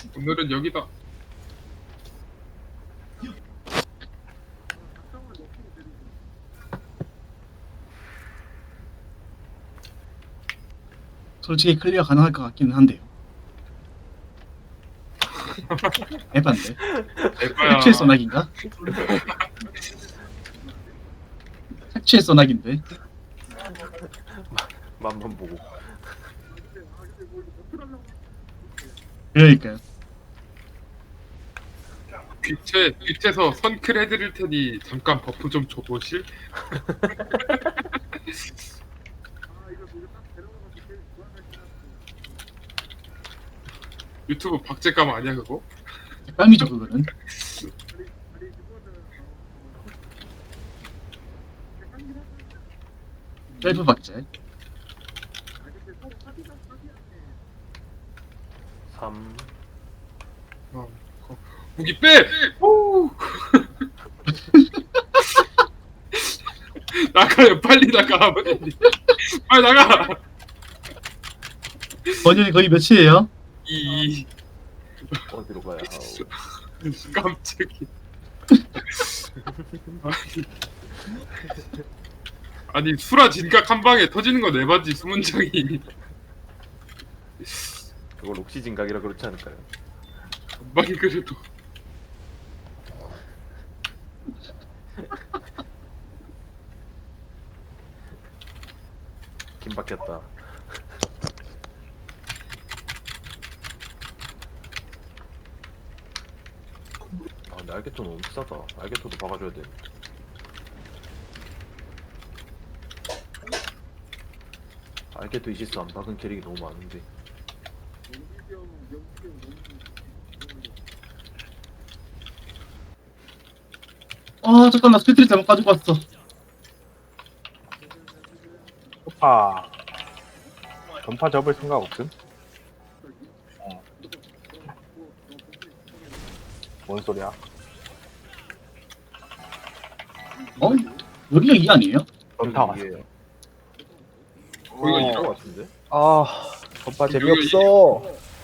오늘은 여기다. 솔직히 클리어 가능할 것 같기는 한데요. 에반데. 에바야. 색칠 소나기인가? 색칠 소나기인데. 맛만 보고. 그러니까요. 빛에서 선클 해드릴 테니 잠깐 버프 좀 줘보실? 유튜브 박제감 아니야 그거? 깜이죠 그거는. 셀프 박제. 3. 무기 빼! 오! 나가요 빨리 나가 빨리 나가. 번연이 거의 몇이에요? 이 어디로 가야 하오. 깜짝이. 아니 수라 진각 한 방에 터지는 거 내봤지 수문장이. 그걸 옥시 진각이라 그렇지 않을까요? 한 방이 그래도. 김 박혔다. 아 근데 알게토 너무 비싸다. 알게토도 박아줘야 돼. 알게토 이시스 안 박은 캐릭이 너무 많은데. 아 잠깐 나 스피트리 잘못 가지고 왔어. 전파 전파 접을 생각 없음? 뭔 소리야? 어? 여기가 이 아니에요? 전파 왔어. 이게 거기가 이거 이거 같은데? 아 전파 재미없어.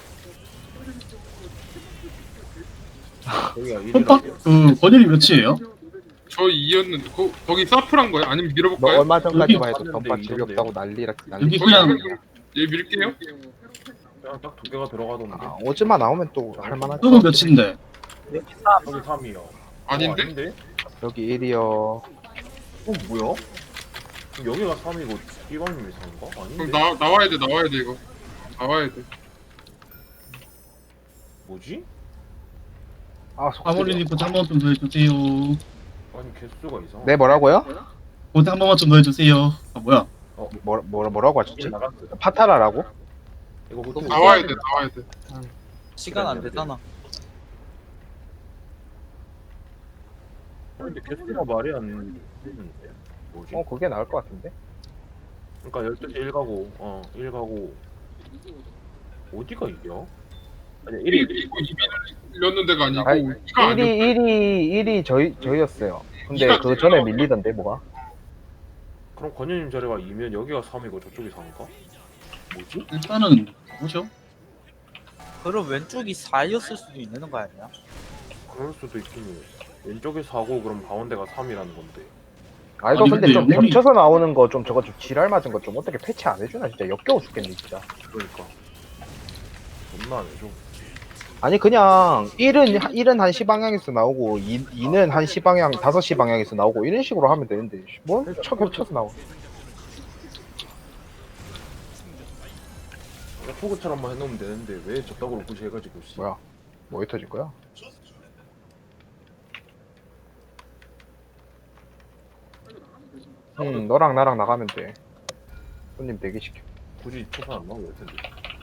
여기가 홈파? 1이라고. 그 번연이 몇이에요? 저 2였는데 거기 사프란 거야? 아니면 너 밀어볼까요? 얼마 전까지만 해도 여기 전파 봤는데 재미없다고 난리라 여기 난리. 그냥 얘 밀게요. 그냥 딱 두 개가 들어가던데. 아, 오즈만 나오면 또 할만하지. 저거 몇인데? 여기 3이요. 아닌데? 여기 1이요. 뭐야? 그럼 여기가 3이고 이방님이 3인가? 아닌데? 그럼 나와야 돼 이거. 나와야 돼. 뭐지? 아 속. 아모리님 고대 한 번만 좀 더 해주세요. 아니 개수가 이상하. 네 뭐라고요? 고대 한 번만 좀 더 해주세요. 아 뭐야? 뭐라고 하셨지? 나갔어요. 파타라라고? 이거 호텔 나와야 돼. 시간 안 되잖아. 근데 개수가 말이 안 되는데. 뭐지? 그게 나을 것 같은데. 그러니까 12시 1가고 1가고 어디가 이겨? 아니 1이 이거 밀렸는 데가 아니고 아니, 이가 아니야. 1이 저희였어요. 근데 그 전에 밀리던데 뭐가? 그럼 권현님 자리가 2면 여기가 3이고 저쪽이 4인가? 뭐지? 일단은 뭐죠? 그럼 왼쪽이 4였을 수도 있는 거 아니야? 그럴 수도 있긴 해. 왼쪽이 4고 그럼 가운데가 3이라는 건데. 아 이거 아니, 근데 근데 좀 영혼이- 겹쳐서 나오는 거 좀 저거 좀 지랄 맞은 거 좀 어떻게 패치 안 해주나 진짜 역겨워 죽겠네 진짜. 그러니까 존나 안 해줘. 아니 그냥 1은 1시 방향에서 나오고 2는 1시 방향 5시 방향에서 나오고 이런 식으로 하면 되는데 뭘 겹쳐서 나와. 포그처럼만 해놓으면 되는데 왜 저따구로 굳이 해가지고 씨. 뭐야? 뭐에 터질 거야? 너랑 나랑 나가면 돼. 손님 대기시켜. 굳이 초판 안 나오고 될 텐데.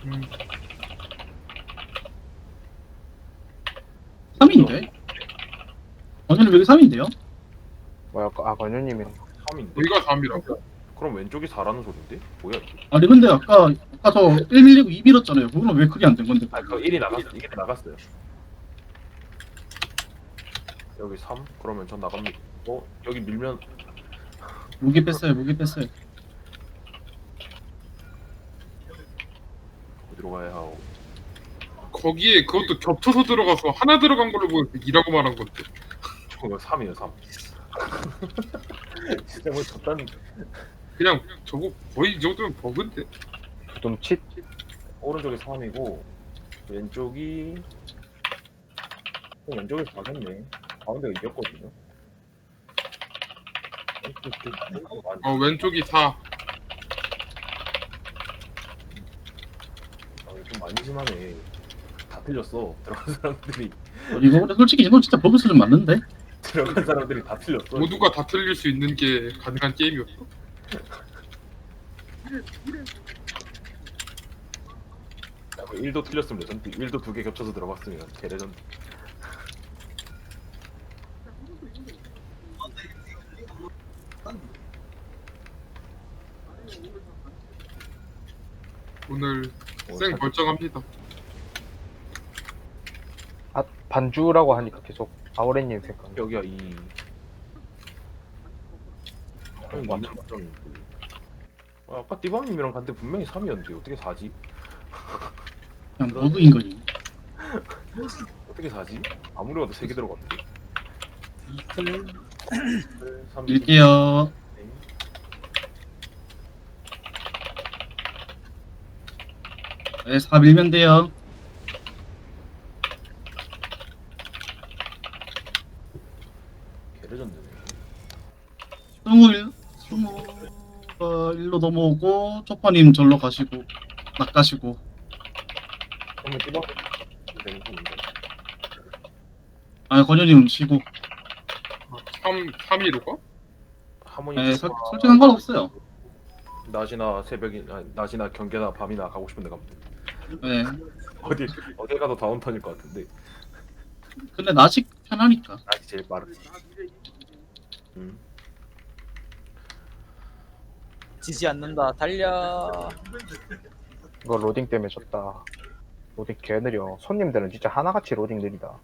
3인데? 번연이 여기 3인데요? 뭐야? 아 권유님이랑 3인데? 여기가 3이라고? 그럼 왼쪽이 4라는 소린데? 뭐야 이게? 아니 근데 아까 저 1 밀리고 2 밀었잖아요. 그거는 왜 크게 안 된 건데? 아 그거 1이 나갔어. 이게 나갔어요. 여기 3? 그러면 전 나갑니다. 여기 밀면 무기 뺐어요. 무기 뺐어요. 어디로 가야 하고. 거기에 그것도 겹쳐서 들어가서 하나 들어간 걸로 보여서 2라고 말한 건데. 저거 3이에요 3. 진짜 뭐 저딴 그냥 저거 거의 이 정도면 버그인데. 부둠칫. 오른쪽이 3이고 왼쪽이 왼쪽이 4겠네. 가운데가 이겼거든요. 왼쪽이 4. 좀 많이 심하네. 다 틀렸어. 들어간 사람들이 이거 근데 솔직히 이거 진짜 버그 수준 맞는데? 들어간 사람들이 다 틀렸어. 모두가 다 틀릴 수 있는 게 가능한 게임이었어. 야, 1도 틀렸으면 레전드. 1도 2개 겹쳐서 들어갔으면 개레전드. 오늘 쌩 멀쩡합니다. 아 반주라고 하니까 계속 아우레님 생각. 여기가 2. 완전 맞죠. 아까 띠방님이랑 갔는데 분명히 3이었는데 어떻게 4지? 그냥 버그인 거지. 어떻게 4지? 아무리 봐도 3개 들어갔는데. 이클 3, 밀게요. 네, 4 밀면 돼요. 개레전드네. 20가 일로 넘어오고 초파님 절로 가시고 낚가시고. 그러면 띠방 되는 건데. 아 권현님 쉬고. 3위로 가? 하모니 네, 솔직히 상관없어요. 낮이나 새벽이 낮이나 경계나 밤이나 가고 싶은데 가면 돼. 네. 어디 가도 다운턴일 것 같은데. 근데 낮이 편하니까. 낮이 제일 빠르지. 지지 않는다. 달려. 이거 로딩 때문에 졌다. 로딩 개 느려. 손님들은 진짜 하나같이 로딩 느리다.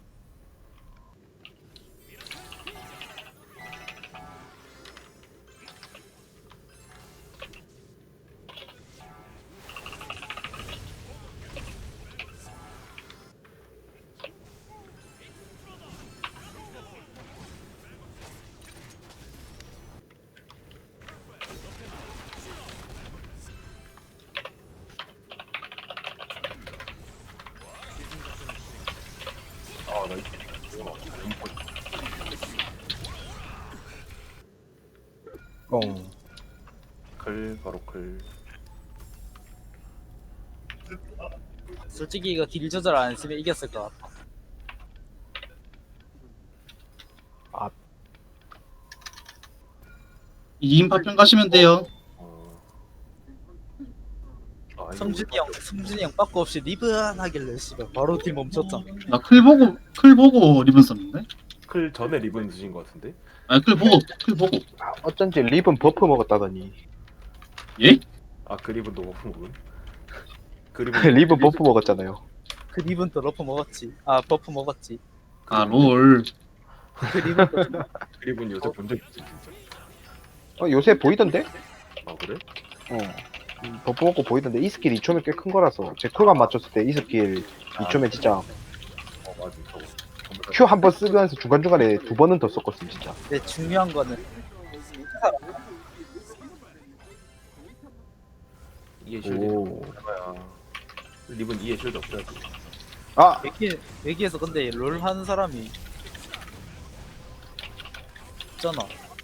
아나 꽁. 클 바로 클. 솔직히 이거 딜 조절 안 했으면 이겼을 것 같아. 이인 파편 가시면 돼요. 성준이 형 빠꾸 없이 리븐하길래 씨발 바로 딜 멈췄잖아. 나 클 보고 리본 썼는데. 클 전에 리본 드신 것 같은데? 아 클 보고. 어쩐지 리본 버프 먹었다더니. 예? 아 그 리본도 버프 먹은? 그 리본 버프 먹었잖아요. 그 리븐 또 러프 먹었지. 아 버프 먹었지. 아 롤. 그 리븐 또 그 리본 요새 본 적 있지 진짜. 요새 보이던데? 아 그래? 버프 먹고 보이던데 이 스킬 2초면 꽤 큰 거라서 제 쿨감 맞췄을 때 이 스킬 2초면 진짜 맞아 저거. Q 한 번 쓰면서 중간중간에 2번은 더 썼거든 진짜. 근데 중요한 거는 이해 실드. 오. 해봐야 리본 이해 실드 없어야지. 아! 여기에서 근데 롤 하는 사람이 있잖아.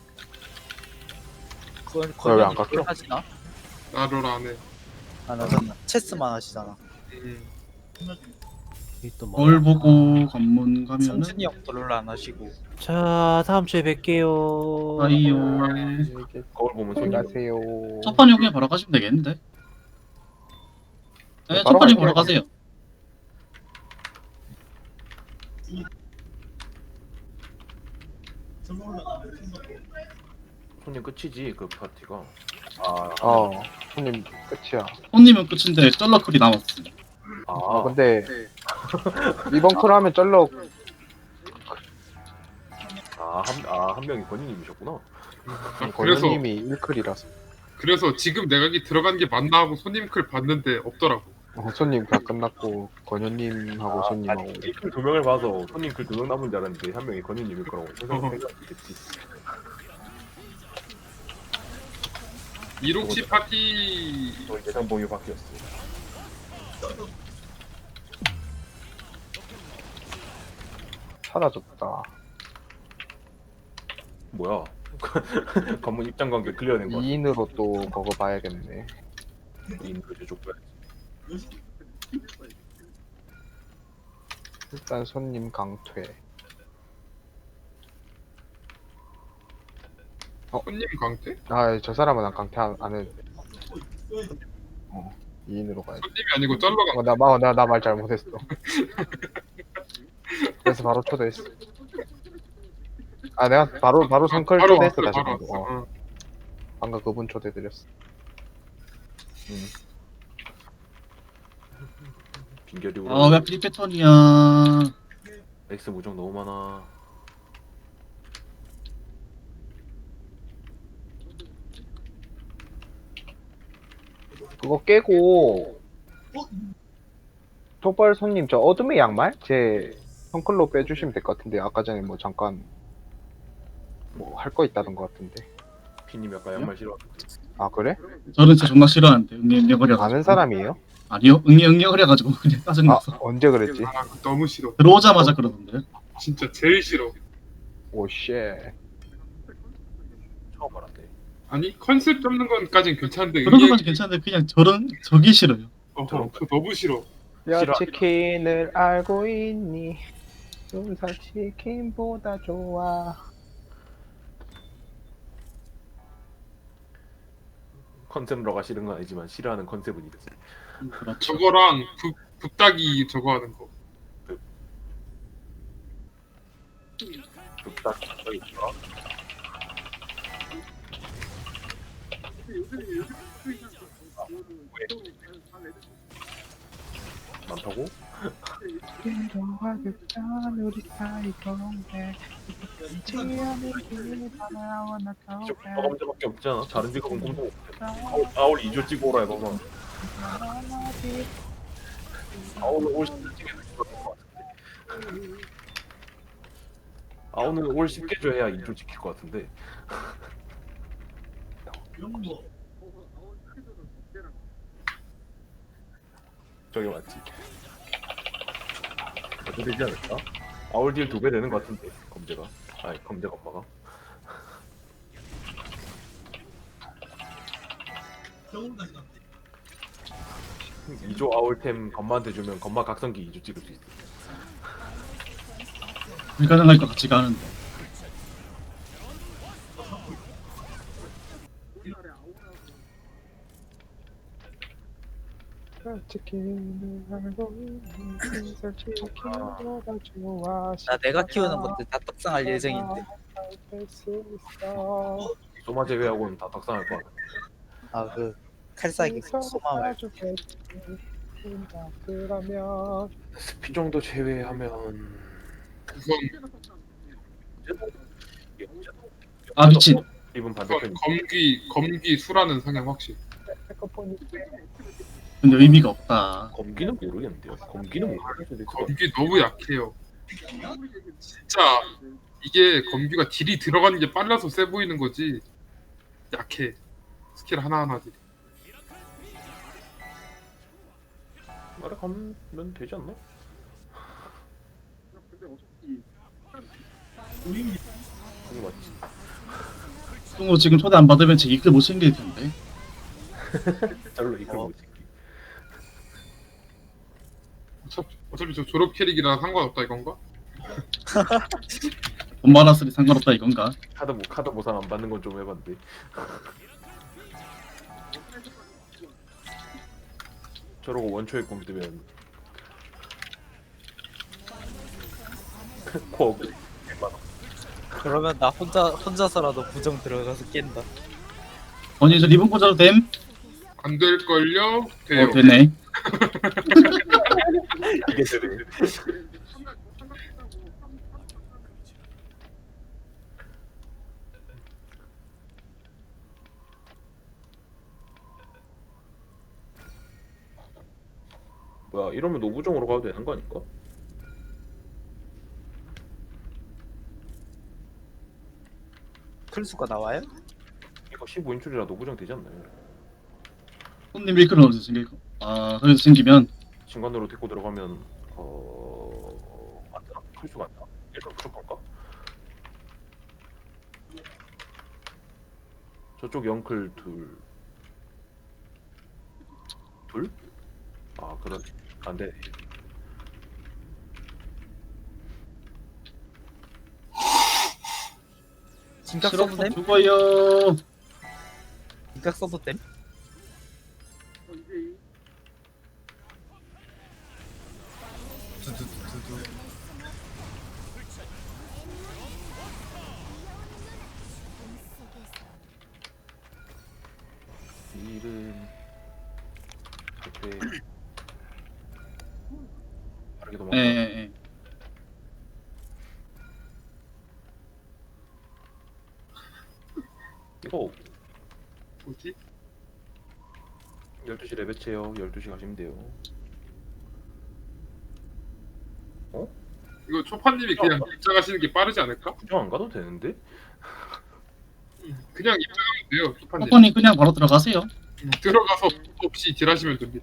왜안 깎여? 롤 하시나? 나를 안 해. 안 하잖아. 체스만 하시잖아. 롤 보고 관문 가면은. 성준이 형도 롤 안 하시고. 자, 다음 주에 뵐게요. 아이요. 거울 보면 손이 안녕하세요. 첫판이 그냥 바로 가시면 되겠는데? 네, 바로 첫판이 갈게요. 바로 가세요. 손님 끝이지 그 파티가. 손님 끝이야. 손님은 끝인데 쩔러클이 남았어. 근데 이번 쿨 하면 쩔러 한 명이 권유님이셨구나. 그래서 권현님이 1클이라서. 지금 내가 여기 들어간 게 맞나 하고 손님 클 봤는데 없더라고. 손님 다 끝났고 권현님하고 손님하고 아니 글 두 명을 봐서 손님 글 두 명 남은 줄 알았는데 한 명이 건희님일 거라고 생각했지. 167 파티. 또 예상 범위 바뀌었어. 사라졌다. 뭐야? 관문 입장 관계 클리어된 거 같아. 2인으로 또 그거 봐야겠네. 인그 족발. 일단 손님 강퇴. 손님 강퇴? 아, 저 사람은 난 강퇴 안 해도 돼. 2인으로 가야 돼. 손님이 아니고 쩔러 강퇴. 나 말 잘못했어. 그래서 바로 초대했어. 아, 내가 바로 성클 바로 초대했어, 왔어, 다시 바로 방금. 왔어. 어. 방금 그분 초대드렸어. 빈결이 아, 왜 프리 패턴이야. X 무정 너무 많아. 그거 깨고 톡발 손님 저 어둠의 양말? 제 성클로 빼주시면 될 것 같은데 아까 전에 뭐 잠깐 뭐 할 거 있다던 것 같은데. 피님 약간 양말 싫어. 아 그래? 저는 진짜 존나 싫어하는데 응애응애거려가지고. 아는 사람이에요? 아니요, 응애응애거려가지고 그냥 아 짜증나서. 언제 그랬지? 아, 너무 싫어. 들어오자마자 그러던데. 진짜 제일 싫어. 오쉣. 처음 알았네. 아니 컨셉 잡는 건까진 괜찮은데 그런 것까지 괜찮은데 그냥 저기 싫어요. 저 너무 싫어. 야 싫어. 치킨을 알고 있니? 순살 치킨보다 좋아. 컨셉러가 싫은 건 아니지만 싫어하는 컨셉은 이랬어. 그렇죠. 저거랑 붓다기 저거 하는 거. 뚝딱 저기 있어. 많다고? 직업 검자밖에 없잖아. 다른 직업은 검도 없어. 아울 2조 찍고 오라 해봐봐. 아울은 올 10개 찍어야 될것 같은데. 아울은 올 10개 줘야 2조 찍힐 것 같은데. 저게 맞지? 어떻게 되지 않을까? 아울 딜 2배 되는 것 같은데 검제가. 아니 검제가 엄마가. 이조 아울템 건마한테 주면 건마 각성기 2조 찍을 수 있어. 불가능할 것 같지가 않은데. 치킨을 알고 있니? 순살 치킨보다 좋아. 나 내가 키우는 것들 다 떡상할 예정인데. 소마 제외하고는 다 닭상할 것 같아. 아 그 칼싸기 소마을. 그러면 스피 정도 제외하면 우선 아 미친. 이분 우선 반대편. 검기 수라는 성향 확실. 근데 의미가 없다. 검기는 모르겠는데요. 검기는 모르겠는데. 검기 너무 약해요. 진짜 이게 검기가 딜이 들어가는 게 빨라서 세 보이는 거지. 약해. 스킬 하나하나들이. 말에 가면 되지 않나? 그게 맞지. 똥으로 지금 초대 안 받으면 제 이글 못 챙길 텐데. 별로 이걸 못 찍기. 어차피 저 졸업 캐릭이라 상관없다 이건가? 돈 많았으니 상관없다 이건가? 카드 보상 안 받는 건 좀 해봤는데. 저러고 원초에 꼼뜨면 코어 그러면 나 혼자서라도 부정 들어가서 깬다. 언니 저 리본 꽂아도 됨? 안 될걸요? 돼요. 되네. 이게 되네. 뭐야 이러면 노부정으로 가도 되는 거 아닐까? 클수가 나와요? 이거 15인출이라 노부정 되지 않나요? 손님 일크는 어디서 생길까? 아 그래서 생기면 중간으로 데리고 들어가면 맞나? 클수가 안 나? 일단 무조건가? 저쪽 영클 둘? 아 그런 안돼. 진각 써도 실업도 됨? 죽어요. 진각 써도 됨? 두두두두. 일은 그때 빠르게 도망가. 예. 이거 뭐지? 12시 레베체요. 12시 가시면 돼요. 이거 초파님이 그냥 입장하시는 게 빠르지 않을까? 구경 안 가도 되는데? 그냥 입장하면 돼요, 초파님. 호퍼님 그냥 바로 들어가세요. 들어가서 없이 딜하시면 됩니다.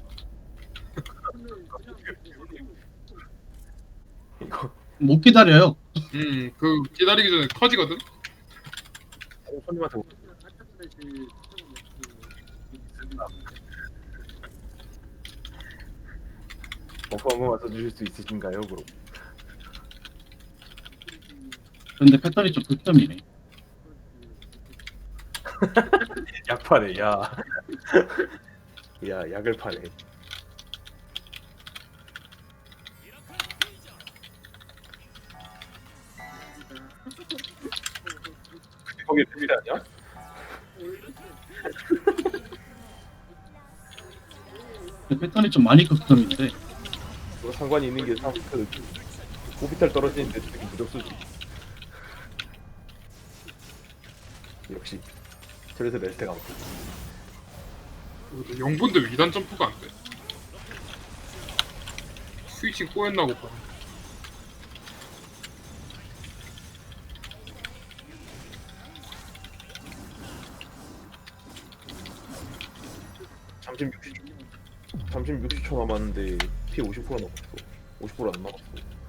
이거 못 기다려요. 그 기다리기 전에 터지거든. 손님한테 버프 한번 맞춰주실 수 있으신가요? 그럼 근데 패턴이 좀 극점이네. 약 파네. 야, 야 약을 파네. 거기 데뷔 아니야? 근데 패턴이 좀 많이 극점인데. 뭐 상관이 있는 게 그 오비탈 떨어지는데 되게 무적수지. 역시 저래서 레스테가 없고. 영분도 2단 점프가 안 돼. 스위칭 꼬였나 보다. 잠시 60초 남았는데 피 50% 남았어. 50% 안 남았어.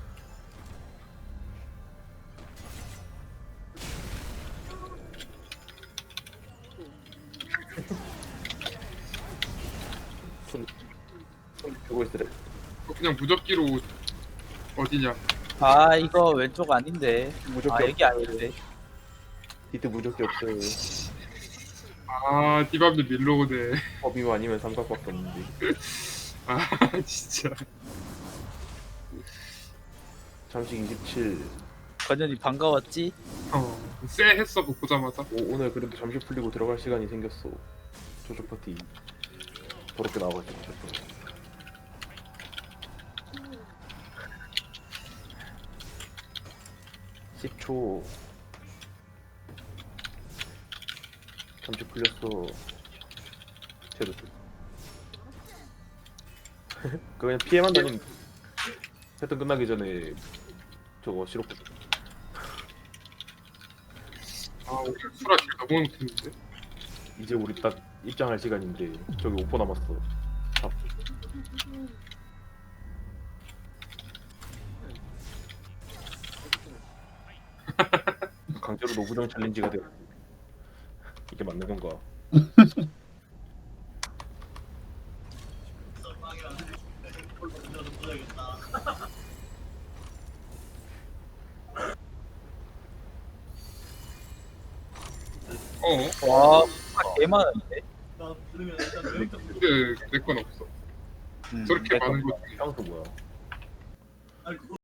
손 펴고 있으래. 그냥 무적기로 어디냐? 아 이거 왼쪽 아닌데. 무적기 아 여기 없어요. 아닌데. 히트 무적기 없어요. 아, 디밥도 밀로우네. 법이면 아니면 삼각밖에 없는데. 아, 진짜. 잠식 27. 건현이 반가웠지? 쎄 했어, 그 보자마자. 오늘 그래도 잠시 풀리고 들어갈 시간이 생겼어. 저쪽 파티 더럽게 나와가지고. 10초. 잠시 풀렸어. 쟤도. 그냥 피해만 다니면 패턴 끝나기 전에 저거 시럽. 아, 오늘 수라 길 너무 못했는데. 이제 우리 딱 입장할 시간인데 저기 5% 남았어. 잡. 강제로 노부정 챌린지가 돼. 이게 맞는 건가? 어, 와 개 많은데. 근데 내 건 없어. 저렇게 많은 거 향수 뭐야?